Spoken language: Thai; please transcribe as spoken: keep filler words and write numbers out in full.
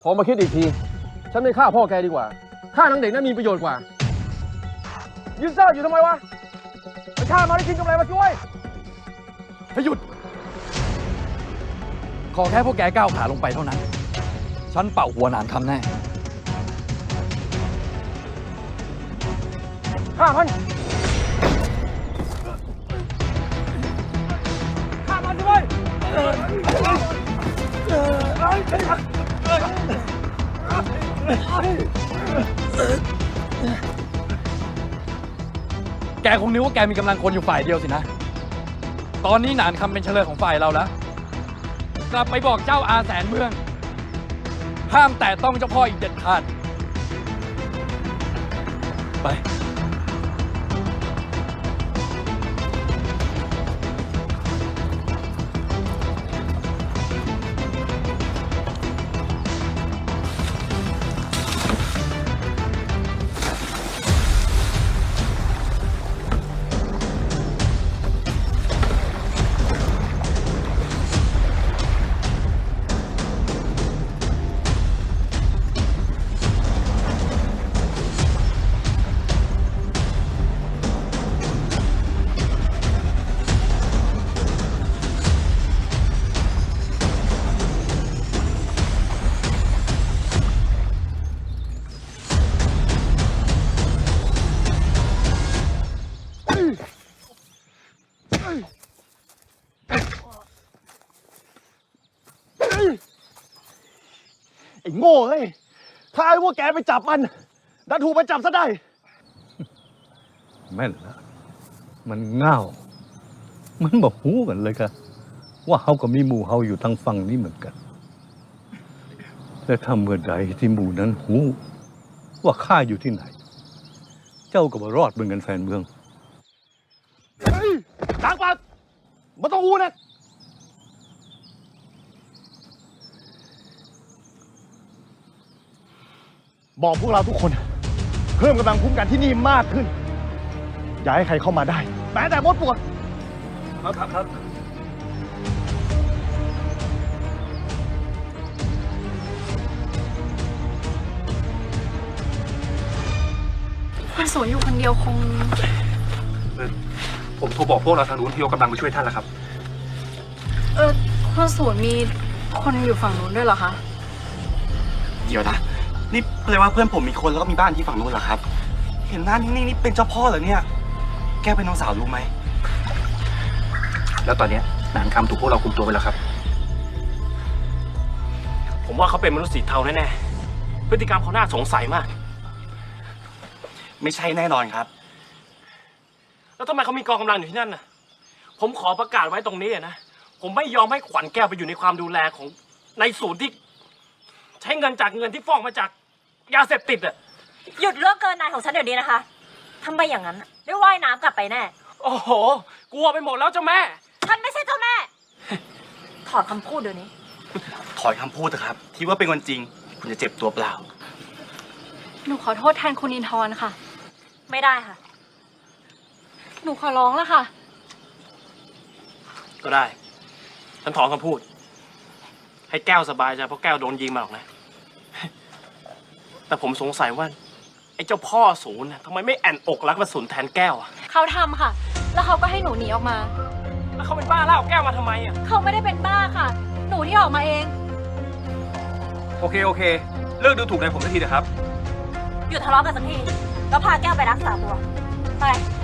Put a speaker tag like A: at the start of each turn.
A: พอมาคิดอีกทีฉันไม่ฆ่าพ่อแกดีกว่าฆ่านางเด็กนั้นมีประโยชน์กว่ายืนเซ่ออยู่ทำไมวะไปฆ่ามาได้กินกำไรมาช่วยให้หยุด
B: ขอแค่พวกแกก้าวขาลงไปเท่านั้นฉันเป่าหัวหนานคำแน่
A: ฆ่ามันฆ่ามันด้วย
B: แกคงนึกว่าแกมีกำลังคนอยู่ฝ่ายเดียวสินะตอนนี้หนานคำเป็นเฉลยของฝ่ายเราแล้วกลับไปบอกเจ้าอาแสนเมืองห้ามแต่ต้องเจ้าพ่ออีกเด็ดขาดไป
A: ไอ้โง่เฮ้ยถ้าไอ้พวกแกไปจับมันดันถูกมันจับซะได้
C: แม่นละมันเง่ามันบอกหูกันเลยค่ะว่าเขาก็มีหมู่เขาอยู่ทางฝั่งนี้เหมือนกันและถ้าเมื่อใดที่หมู่นั้นหูว่าข้าอยู่ที่ไหน เจ้าก็บรอดเหมือนกันแฟนเมือง
A: ล้างปากไม่ต้องอู้นะบอกพวกเราทุกคนเพิ่มกำลังคุ้มกันที่นี่มากขึ้นอย่าให้ใครเข้ามาได้แม้แต่มดปวดครับครับครับ
D: คนสวยอยู่คนเดียวคง
E: ผมโทรบอกพวกเราทางนู้นที่ยกกำลังมาช่วยท่านแล้วครับ
D: เออคนสวยมีคนอยู่ฝั่งนู้นด้วยเหรอคะ
E: เดี๋ยวนะนี่แปลว่าเพื่อนผมมีคนแล้วก็มีบ้านที่ฝั่งนู้นเหรอครับเห็นหน้านิ่งๆนี่เป็นเจ้าพ่อเหรอเนี่ยแกเป็นน้องสาวรู้ไหมแล้วตอนนี้หนานคำถูกพวกเราคุมตัวไปแล้วครับ
F: ผมว่าเขาเป็นมนุษย์สีเทาแน่ๆพฤติกรรมเขาน่าสงสัยมาก
E: ไม่ใช่แน่นอนครับ
F: แล้วทำไมเขามีกองกำลังอยู่ที่นั่นน่ะผมขอประกาศไว้ตรงนี้นะผมไม่ยอมให้ขวัญแก้วไปอยู่ในความดูแลของในศูนย์ที่ใช้เงินจากเงินที่ฟ้องมาจากยาเสพติดอ่ะ
G: หยุดเรื่องเกินนายของฉันเดี๋ยวนี้นะคะทำไมอย่างนั้นได้ว่ายน้ำกลับไปแน่
F: โอ้โหกลัวไปหมดแล้วเจ้าแม่
G: ฉันไม่ใช่เจ้าแม่ถอดคำพูดเดี๋ยวนี้
E: ถอยคำพูดเถอะครับที่ว่าเป็นวันจริงคุณจะเจ็บตัวเปล่า
D: หนูขอโทษแทนคุณอินทร์ค่ะ
G: ไม่ได้ค่ะ
D: หนูขอร้องแล้วค่ะ
F: ก็ได้ฉันถอนคำพูดให้แก้วสบายใจเพราะแก้วโดนยิงมาหรอกนะแต่ผมสงสัยว่าไอ้เจ้าพ่อศูนย์ทำไมไม่แอนอกรักมาศูนย์แทนแก้วอ่ะ
D: เขาทำค่ะแล้วเขาก็ให้หนูหนีออกมา
F: แล้วเขาเป็นบ้าล่าเอาแก้วมาทำไมอ่ะ
D: เขาไม่ได้เป็นบ้าค่ะหนูที่ออกมาเอง
E: โอเคโอเคเลิกดูถูกในผมสักทีเถอะครับ
G: หยุดทะเลาะกันสักทีแล้วพาแก้วไปรักษาตัวไป